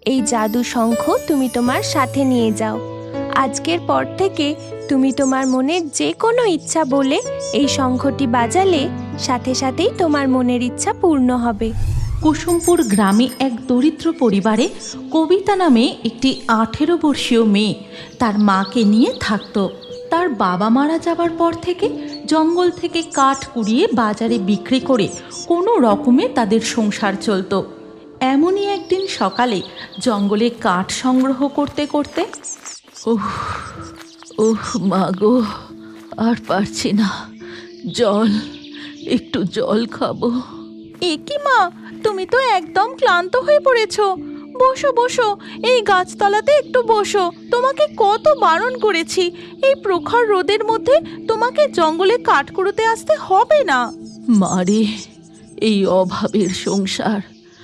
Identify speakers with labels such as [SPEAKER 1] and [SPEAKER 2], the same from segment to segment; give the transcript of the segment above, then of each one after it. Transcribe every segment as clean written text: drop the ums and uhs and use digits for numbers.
[SPEAKER 1] এই জাদু শঙ্খ তুমি তোমার সাথে নিয়ে যাও। আজকের পর থেকে তুমি তোমার মনের যে কোনো ইচ্ছা বলে এই শঙ্খটি বাজালে সাথে সাথেই তোমার মনের ইচ্ছা পূর্ণ হবে।
[SPEAKER 2] কুসুমপুর গ্রামে এক দরিদ্র পরিবারে কবিতা নামে একটি 18 বর্ষীয় মেয়ে তার মাকে নিয়ে থাকত। তার বাবা মারা যাবার পর থেকে জঙ্গল থেকে কাঠ কুড়িয়ে বাজারে বিক্রি করে কোনো রকমে তাদের সংসার চলত। এমনই একদিন সকালে জঙ্গলে কাঠ সংগ্রহ করতে করতে ওহ মা গো, আর পারছি না, একটু জল খাবো।
[SPEAKER 3] এ কি মা, তুমি তো একদম ক্লান্ত হয়ে পড়েছো। বসো বসো, এই গাছতলাতে একটু বসো। তোমাকে কত বারণ করেছি, এই প্রখর রোদের মধ্যে তোমাকে জঙ্গলে কাঠ কুড়োতে আসতে হবে না।
[SPEAKER 2] মারে, এই অভাবের সংসার,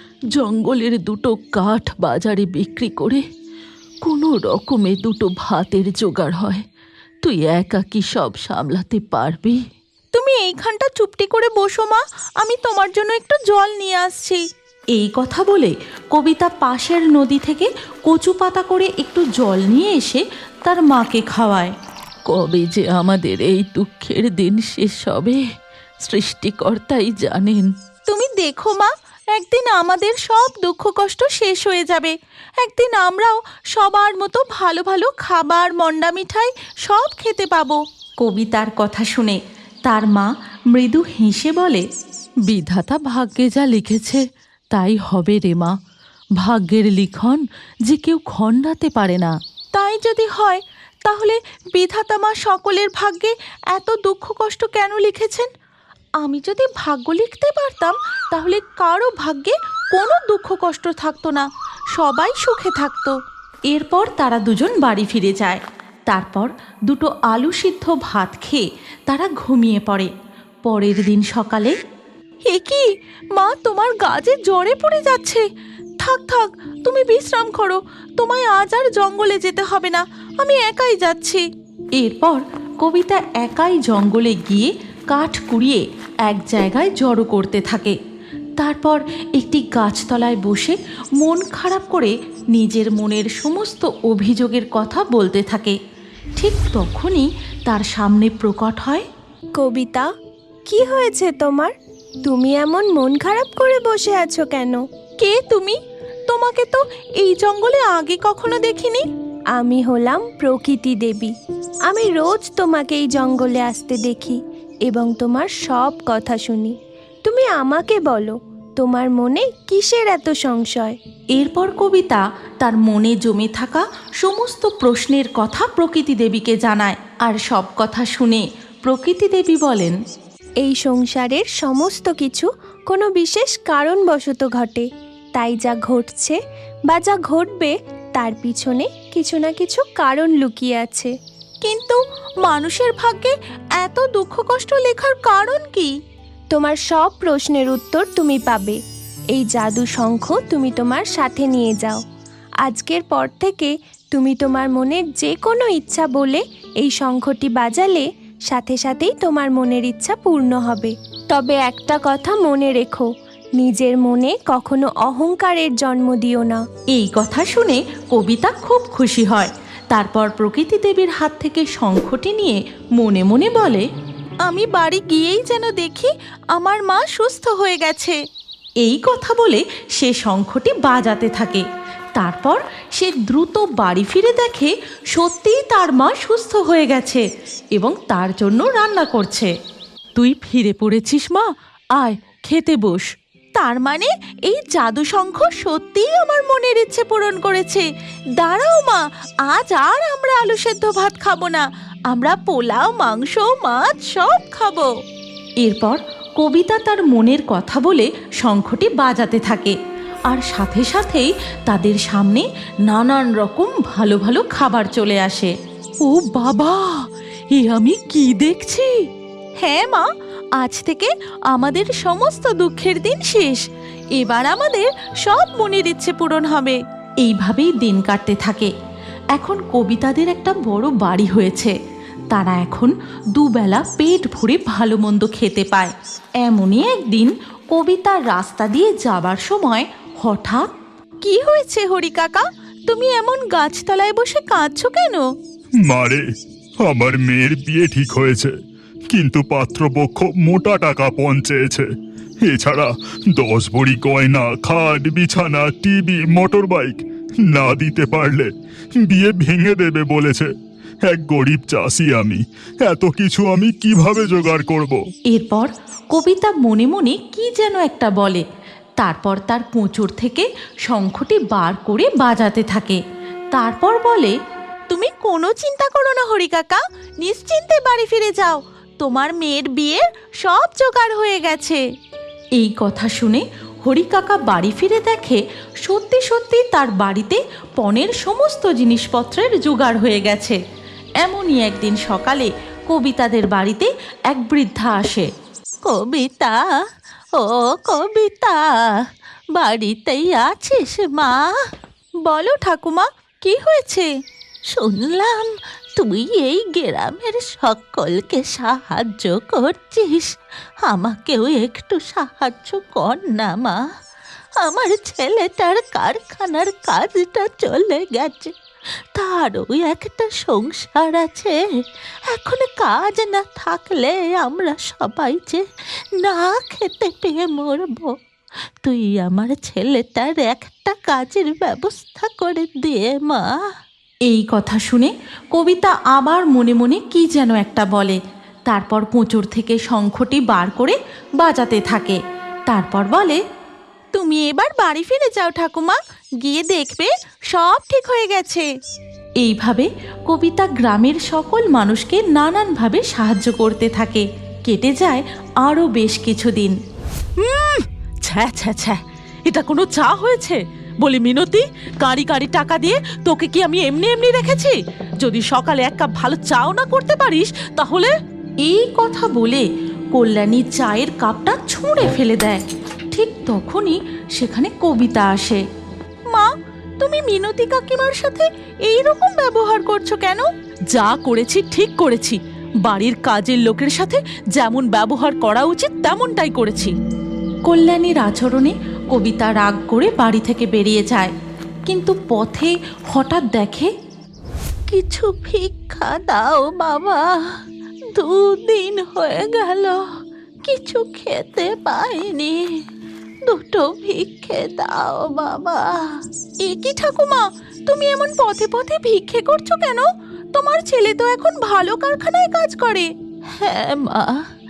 [SPEAKER 2] জঙ্গলের দুটো কাঠ বাজারে বিক্রি করে কোনো রকমে দুটো ভাতের জোগাড় হয়। তুই একা কি সব সামলাতে পারবি?
[SPEAKER 3] তুমি এইখানটা চুপটি করে বসো মা, আমি তোমার জন্য একটু জল নিয়ে আসছি।
[SPEAKER 2] এই কথা বলে কবিতা পাশের নদী থেকে কচু পাতা করে একটু জল নিয়ে এসে তার মাকে খাওয়ায়। কবে যে আমাদের এই দুঃখের দিন শেষ হবে, সৃষ্টিকর্তাই জানেন।
[SPEAKER 3] তুমি দেখো মা, একদিন আমাদের সব দুঃখ কষ্ট শেষ হয়ে যাবে। একদিন আমরাও সবার মতো ভালো ভালো খাবার, মন্ডা মিঠাই সব খেতে পাবো।
[SPEAKER 2] কবিতার কথা শুনে তার মা মৃদু হেসে বলে, বিধাতা ভাগ্যে যা লিখেছে তাই হবে রে মা। ভাগ্যের লিখন যে কেউ খণ্ডাতে পারে না।
[SPEAKER 3] তাই যদি হয়, তাহলে বিধাতা মা সকলের ভাগ্যে এত দুঃখ কষ্ট কেন লিখেছেন? আমি যদি ভাগ্য লিখতে পারতাম, তাহলে কারো ভাগ্যে কোনো দুঃখ কষ্ট থাকতো না, সবাই সুখে থাকতো।
[SPEAKER 2] এরপর তারা দুজন বাড়ি ফিরে যায়। তারপর দুটো আলু সিদ্ধ ভাত খেয়ে তারা ঘুমিয়ে পড়ে। পরের দিন সকালে,
[SPEAKER 3] এ কি মা, তোমার গা যে জ্বরে পড়ে যাচ্ছে। থাক থাক, তুমি বিশ্রাম করো, তোমায় আজ আর জঙ্গলে যেতে হবে না, আমি একাই যাচ্ছি।
[SPEAKER 2] এরপর কবিতা একাই জঙ্গলে গিয়ে কাঠ কুড়িয়ে এক জায়গায় জড়ো করতে থাকে। তারপর একটি গাছতলায় বসে মন খারাপ করে নিজের মনের সমস্ত অভিযোগের কথা বলতে থাকে। ঠিক তখনই তার সামনে প্রকট হয়।
[SPEAKER 1] কবিতা, কি হয়েছে তোমার? তুমি এমন মন খারাপ করে বসে আছো কেন?
[SPEAKER 3] কে তুমি? তোমাকে তো এই জঙ্গলে আগে কখনো দেখিনি।
[SPEAKER 1] আমি হলাম প্রকৃতি দেবী। আমি রোজ তোমাকে এই জঙ্গলে আসতে দেখি এবং তোমার সব কথা শুনি। তুমি আমাকে বলো, তোমার মনে কিসের এত সংশয়?
[SPEAKER 2] এরপর কবিতা তার মনে জমে থাকা সমস্ত প্রশ্নের কথা প্রকৃতি দেবীকে জানায়। আর সব কথা শুনে প্রকৃতি দেবী বলেন,
[SPEAKER 1] এই সংসারের সমস্ত কিছু কোনো বিশেষ কারণবশত ঘটে। তাই যা ঘটছে বা যা ঘটবে তার পিছনে কিছু না কিছু কারণ লুকিয়ে আছে।
[SPEAKER 3] কিন্তু মানুষের ভাগ্যে এত দুঃখ কষ্ট লেখার কারণ কি?
[SPEAKER 1] তোমার সব প্রশ্নের উত্তর তুমি পাবে। এই জাদু শঙ্খ তুমি তোমার সাথে নিয়ে যাও। আজকের পর থেকে তুমি তোমার মনের যে কোনো ইচ্ছা বলে এই শঙ্খটি বাজালে সাথে সাথেই তোমার মনের ইচ্ছা পূর্ণ হবে। তবে একটা কথা মনে রেখো, নিজের মনে কখনো অহংকারের জন্ম দিও না।
[SPEAKER 2] এই কথা শুনে কবিতা খুব খুশি হয়। তারপর প্রকৃতি দেবীর হাত থেকে শঙ্খটি নিয়ে মনে মনে বলে,
[SPEAKER 3] আমি বাড়ি গিয়েই যেন দেখি আমার মা সুস্থ হয়ে গেছে।
[SPEAKER 2] এই কথা বলে সে শঙ্খটি বাজাতে থাকে। তারপর সে দ্রুত বাড়ি ফিরে দেখে সত্যিই তার মা সুস্থ হয়ে গেছে এবং তার জন্য রান্না করছে। তুই ফিরে পড়েছিস মা, আয় খেতে বস।
[SPEAKER 3] তার মানে এই জাদু শঙ্খ সত্যিই আমার মনের ইচ্ছে পূরণ করেছে। দাঁড়াও মা, আজ আর আমরা আলু সেদ্ধ ভাত খাবো না, আমরা পোলাও, মাংস, মাছ সব খাবো।
[SPEAKER 2] এরপর কবিতা তার মনের কথা বলে শঙ্খটি বাজাতে থাকে। আর সাথে সাথেই তাদের সামনে নানান রকম ভালো ভালো খাবার চলে আসে। ও বাবা, এ আমি কি দেখছি!
[SPEAKER 3] হ্যাঁ মা, আজ থেকে আমাদের সমস্ত দুঃখের দিন শেষ। এবার আমাদের সব মনের ইচ্ছে পূরণ হবে।
[SPEAKER 2] এইভাবেই দিন কাটতে থাকে। এখন কবিতাদের একটা বড় বাড়ি হয়েছে। তারা এখন দুবেলা পেট ভরে ভালো মন্দ খেতে পায়। এমনই একদিন কবিতা রাস্তা দিয়ে যাবার সময় হঠাৎ
[SPEAKER 3] কি হয়েছে হরি কাকা? তুমি এমন গাছতলায় বসে কাঁদছো কেন?
[SPEAKER 4] মারে, আমার মেয়ের বিয়ে ঠিক হয়েছে, কিন্তু পাত্রপক্ষ মোটা টাকা পণ চেয়েছে। এছাড়া 10 ভরি গয়না, খাট, বিছানা, টিভি, মোটর বাইক না দিতে পারলে বিয়ে ভেঙে দেবে বলেছে। এক গরিব চাষি আমি, এত কিছু আমি কিভাবে জোগাড় করব?
[SPEAKER 2] এরপর কবিতা মনে মনে কি যেন একটা বলে। তারপর তার কোঁচড় থেকে শঙ্খটি বার করে বাজাতে থাকে। তারপর বলে,
[SPEAKER 3] তুমি কোনো চিন্তা করো না হরি কাকা, নিশ্চিন্তে বাড়ি ফিরে যাও। তোমার মেয়ের বিয়ের সব জোগাড় হয়ে গেছে।
[SPEAKER 2] এই কথা শুনে হরি কাকা বাড়ি ফিরে দেখে সত্যি সত্যি তার বাড়িতে পণের সমস্ত জিনিসপত্রের জোগাড় হয়ে গেছে। এমনই একদিন সকালে কবিতাদের বাড়িতে এক বৃদ্ধা আসে।
[SPEAKER 3] কবিতা, ও কবিতা, বাড়িতেই আছিস মা? বলো ঠাকুমা, কি হয়েছে? শুনলাম তুই এই গ্রামের সকলকে সাহায্য করছিস, আমাকেও একটু সাহায্য কর না মা। আমার ছেলেটার কারখানার কাজটা চলে গেছে, তারও একটা সংসার আছে। এখন কাজ না থাকলে আমরা সবাই যে না খেতে পেয়ে মরব। তুই আমার ছেলেটার একটা কাজের ব্যবস্থা করে দিয়ে মা।
[SPEAKER 2] এই কথা শুনে কবিতা আবার মনে মনে কি যেন একটা বলে। তারপর কোঁচড় থেকে শঙ্খটি বার করে বাজাতে থাকে। তারপর বলে,
[SPEAKER 3] তুমি এবার বাড়ি ফিরে যাও ঠাকুমা, গিয়ে দেখবে সব ঠিক হয়ে গেছে।
[SPEAKER 2] এইভাবে কবিতা গ্রামের সকল মানুষকে নানানভাবে সাহায্য করতে থাকে। কেটে যায় আরও বেশ কিছুদিন।
[SPEAKER 3] ছ্যা ছ্যা ছ্যা, এটা কোনো চা হয়েছে? বলি মিনতি, কাঁড়ি কাঁড়ি টাকা দিয়ে তোকে কি আমি এমনি এমনি রেখেছি? যদি সকালে এক কাপ ভালো চাও না করতে পারিস তাহলে।
[SPEAKER 2] এই কথা বলে কল্যাণী চায়ের কাপটা ছুঁড়ে ফেলে দেয়। ঠিক তখনই সেখানে কবিতা আসে।
[SPEAKER 3] মা, তুমি মিনতি কাকিমার সাথে এই রকম ব্যবহার করছো কেন? যা করেছি ঠিক করেছি, বাড়ির কাজের লোকের সাথে যেমন ব্যবহার করা উচিত তেমনটাই করেছি।
[SPEAKER 2] কল্যাণীর আচরণে কবিতা রাগ করে বাড়ি থেকে বেরিয়ে যায়। কিন্তু পথে হঠাৎ দেখে,
[SPEAKER 3] কিছু ভিক্ষা দাও বাবা, 2 দিন হয়ে গেল কিছু খেতে পাইনি, 2টো ভিক্ষে দাও বাবা। এ কি ঠাকুমা, তুমি এমন পথে পথে ভিক্ষে করছো কেন? তোমার ছেলে তো এখন ভালো কারখানায় কাজ করে। হ্যাঁ মা,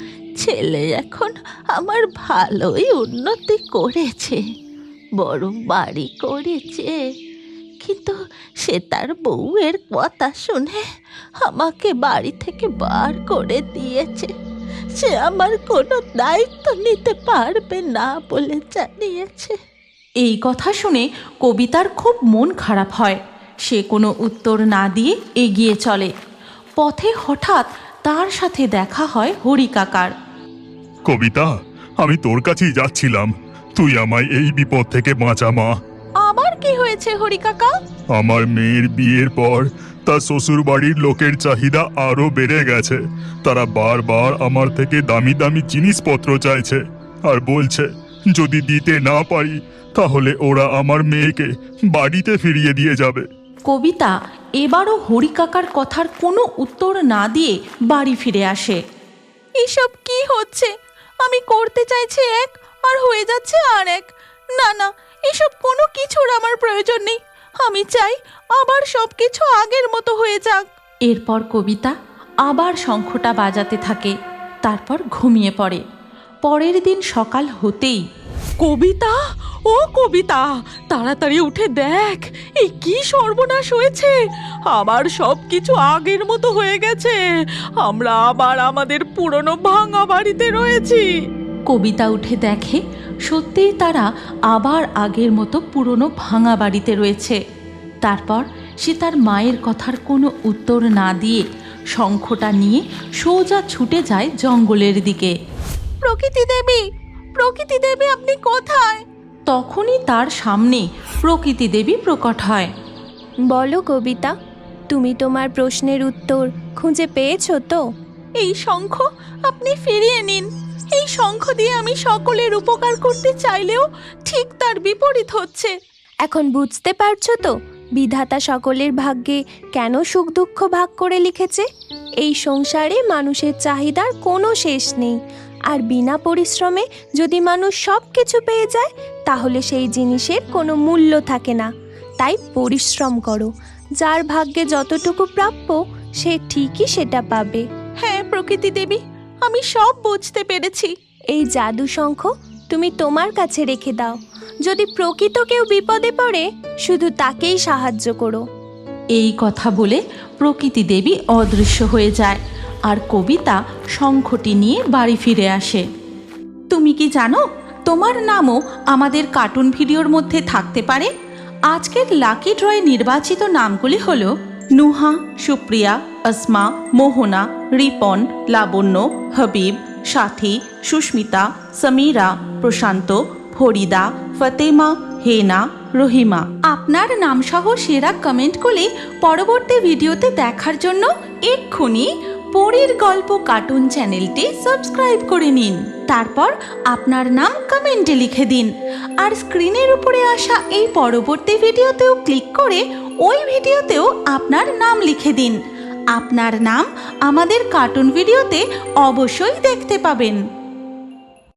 [SPEAKER 3] ছেলে এখন আমার ভালোই উন্নতি করেছে, বড় বাড়ি করেছে। কিন্তু সে তার বউয়ের কথা শুনে আমাকে বাড়ি থেকে বার করে দিয়েছে। সে আমার কোনো দায়িত্ব নিতে পারবে না বলে জানিয়েছে।
[SPEAKER 2] এই কথা শুনে কবিতার খুব মন খারাপ হয়। সে কোনো উত্তর না দিয়ে এগিয়ে চলে। পথে হঠাৎ তার সাথে দেখা হয় হরি কাকার।
[SPEAKER 4] কবিতা, আমি তোর কাছেই যাচ্ছিলাম, তুই আমায় এই বিপদ থেকে বাঁচা মা।
[SPEAKER 3] আবার কি হয়েছে হরি কাকা?
[SPEAKER 4] আমার মেয়ের বিয়ের পর তার শ্বশুর বাড়ির লোকের চাহিদা আরো বেড়ে গেছে। তারা বারবার আমার থেকে দামি দামি জিনিসপত্র চাইছে আর বলছে যদি দিতে না পারি তাহলে ওরা আমার মেয়েকে বাড়িতে ফিরিয়ে দিয়ে যাবে।
[SPEAKER 2] কবিতা এবারও হরি কাকার কথার কোনো উত্তর না দিয়ে বাড়ি ফিরে আসে।
[SPEAKER 3] এসব কি হচ্ছে? আমি করতে চাইছি এক আর হয়ে যাচ্ছে আর এক। না না, এসব কোনো কিছুর আমার প্রয়োজন নেই। আমি চাই আবার সব কিছু আগের মতো হয়ে যাক।
[SPEAKER 2] এরপর কবিতা আবার শঙ্খটা বাজাতে থাকে। তারপর ঘুমিয়ে পড়ে। পরের দিন সকাল হতেই,
[SPEAKER 3] কবিতা, ও কবিতা, তাড়াতাড়ি উঠে দেখ, এই কি সর্বনাশ হয়েছে। আবার সব কিছু আগের মতো হয়ে গেছে। আমরা আবার আমাদের পুরনো ভাঙা বাড়িতে রয়েছি।
[SPEAKER 2] কবিতা উঠে দেখে সত্যিই তারা আবার আগের মতো পুরনো ভাঙা বাড়িতে রয়েছে। তারপর সে তার মায়ের কথার কোনো উত্তর না দিয়ে শঙ্খটা নিয়ে সোজা ছুটে যায় জঙ্গলের দিকে।
[SPEAKER 3] প্রকৃতি দেবী, প্রকৃতি দেবী, আপনি কোথায়?
[SPEAKER 2] তখনই তার সামনে প্রকৃতি দেবী প্রকট হয়।
[SPEAKER 1] বলো কবিতা, তুমি তোমার প্রশ্নের উত্তর খুঁজে পেয়েছো তো?
[SPEAKER 3] এই শঙ্খ আপনি ফিরিয়ে নিন। এই শঙ্খ দিয়ে আমি সকলের উপকার করতে চাইলেও ঠিক তার বিপরীত হচ্ছে।
[SPEAKER 1] এখন বুঝতে পারছো তো বিধাতা সকলের ভাগ্যে কেন সুখ দুঃখ ভাগ করে লিখেছে? এই সংসারে মানুষের চাহিদার কোনো শেষ নেই, আর বিনা পরিশ্রমে যদি মানুষ সব কিছু পেয়ে যায় তাহলে সেই জিনিসের কোনো মূল্য থাকে না। তাই পরিশ্রম করো, যার ভাগ্যে যতটুকু প্রাপ্য সে ঠিকই সেটা পাবে।
[SPEAKER 3] হ্যাঁ প্রকৃতি দেবী, আমি সব বুঝতে পেরেছি।
[SPEAKER 1] এই জাদু শঙ্খ তুমি তোমার কাছে রেখে দাও। যদি প্রকৃত কেউ বিপদে পড়ে শুধু তাকেই সাহায্য করো।
[SPEAKER 2] এই কথা বলে প্রকৃতি দেবী অদৃশ্য হয়ে যায় আর কবিতা শঙ্খটি নিয়ে বাড়ি ফিরে আসে। তুমি কি জানো তোমার নামও আমাদের কার্টুন ভিডিওর মধ্যে থাকতে পারে? আজকের লাকি ড্রয়ে নির্বাচিত নামগুলি হলো নুহা, সুপ্রিয়া, আসমা, মোহনা, রিপন, লাবণ্য, হাবিব, সাথী, সুস্মিতা, সমীরা, প্রশান্ত, ফরিদা, ফতেমা, হেনা, রহিমা। আপনার নামসহ সেরা কমেন্ট করে পরবর্তী ভিডিওতে দেখার জন্য এক্ষুনি পরীর গল্প কার্টুন চ্যানেলটি সাবস্ক্রাইব করে নিন। তারপর আপনার নাম কমেন্টে লিখে দিন আর স্ক্রিনের উপরে আসা এই পরবর্তী ভিডিওতেও ক্লিক করে ওই ভিডিওতেও আপনার নাম লিখে দিন। আপনার নাম আমাদের কার্টুন ভিডিওতে অবশ্যই দেখতে পাবেন।